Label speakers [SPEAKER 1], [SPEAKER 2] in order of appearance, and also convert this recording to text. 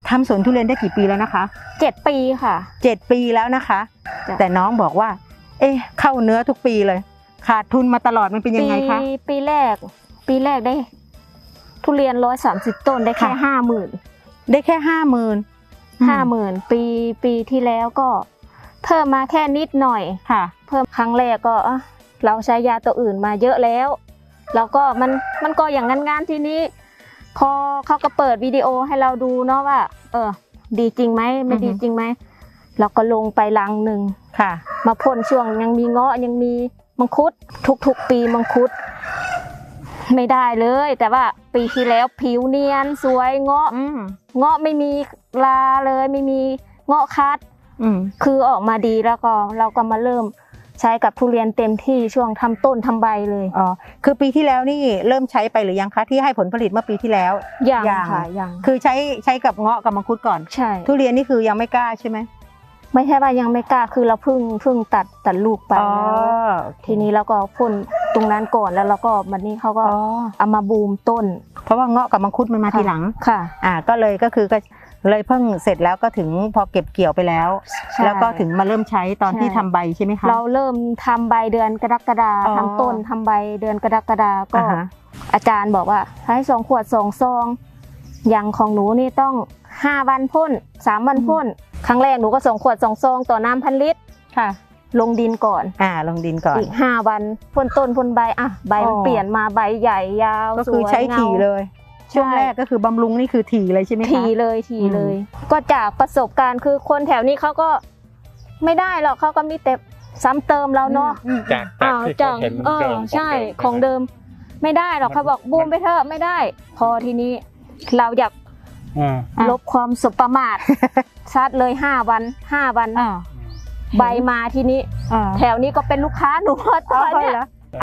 [SPEAKER 1] ทำสวนทุเรียนได้กี่ปีแล้วนะคะ
[SPEAKER 2] 7 ปีค่ะ
[SPEAKER 1] 7 ปีแล้วนะคะ แต่น้องบอกว่า เอ๊ะเข้าเนื้อทุกปีเลย ขาดทุนมาตลอดมันเป็นยังไงคะ
[SPEAKER 2] ปีแรกได้ ทุเรียน130 ต้นได้แค่ 50,000
[SPEAKER 1] ได้แค่50,000
[SPEAKER 2] ปีที่แล้วก็เพิ่มมาแค่นิดหน่อย
[SPEAKER 1] ค่ะ
[SPEAKER 2] เพิ่มครั้งแรกก็เราใช้ยาตัวอื่นมาเยอะแล้วแล้วก็มันก็อย่างงั้นทีนี้ พอเขาก็เปิดวิดีโอให้เราดูเนาะว่าดีจริงไหมไม่ดีจริงไหมเราก็ลงไปลังหนึ่ง
[SPEAKER 1] ค่ะ
[SPEAKER 2] มาพ่นช่วงยังมีเงาะยังมีมังคุดทุกปีมังคุดไม่ได้เลยแต่ว่าปีที่แล้วผิวเนียนสวยเงาะไม่มีลาเลยไม่มีเงาะคัดคือออกมาดีแล้วก็เราก็มาเริ่มใช้กับทุเรียนเต็มที่ช่วงทำต้นทำใบเลย
[SPEAKER 1] อ๋อคือปีที่แล้วนี่เริ่มใช้ไปหรือยังคะที่ให้ผลผลิตเมื่อปีที่แล้ว
[SPEAKER 2] ยังค่ะยัง
[SPEAKER 1] คือใช้กับเงาะกับมังคุดก่อน
[SPEAKER 2] ใช่
[SPEAKER 1] ทุเรียนนี่คือยังไม่กล้าใช่ไหม
[SPEAKER 2] ไม่ใช่ว่ายังไม่กล้าคือเราเพิ่งตัดลูกไปแล้วทีนี้เราก็พ่นตรงนั้นก่อนแล้วเราก็วันนี้เขาก็เอามาบูมต้น
[SPEAKER 1] เพราะว่าเงาะกับมังคุดมันมาทีหลัง
[SPEAKER 2] ค่ะ
[SPEAKER 1] ก็เลยเพิ่งเสร็จแล้วก็ถึงพอเก็บเกี่ยวไปแล้วแล้วก็ถึงมาเริ่มใช้ตอนที่ทำใบใช่ไหมคะ
[SPEAKER 2] เราเริ่มทำใบเดือนกรกฎาคมทำต้นทำใบเดือนกรกฎาคมก็อาจารย์บอกว่าให้2 ขวด 2 ซองอย่างของหนูนี่ต้อง5 วันพ่น3 วันพ่นครั้งแรกหนูก็2 ขวด 2 ซองต่อน้ำ1,000 ลิตร
[SPEAKER 1] ค่ะ
[SPEAKER 2] ลงดินก่อน
[SPEAKER 1] ลงดินก่อน
[SPEAKER 2] อีก5 วันพ่นต้นพ่นใบใบมันเปลี่ยนมาใบใหญ่ยาว
[SPEAKER 1] ก็คือใช้ถี่เลยช่วงแรกก็คือบำรุงนี่คือถี่เลยใช่ไหมคะ
[SPEAKER 2] ถี่เลยก็จากประสบการณ์คือคนแถวนี้เขาก็ไม่ได้หรอกเขาก็มีแต่ซ้ำเติมเราเนาะ
[SPEAKER 3] จากที่เขาเห็น
[SPEAKER 2] ใช่ของเดิมไม่ได้หรอกเขาบอกบูมไปเถอะไม่ได้พอทีนี้เราอยากลบความสบประมาทซัดเลย5 วันใบมาทีนี้แถวนี้ก็เป็นลูกค้าหนูตอนนี้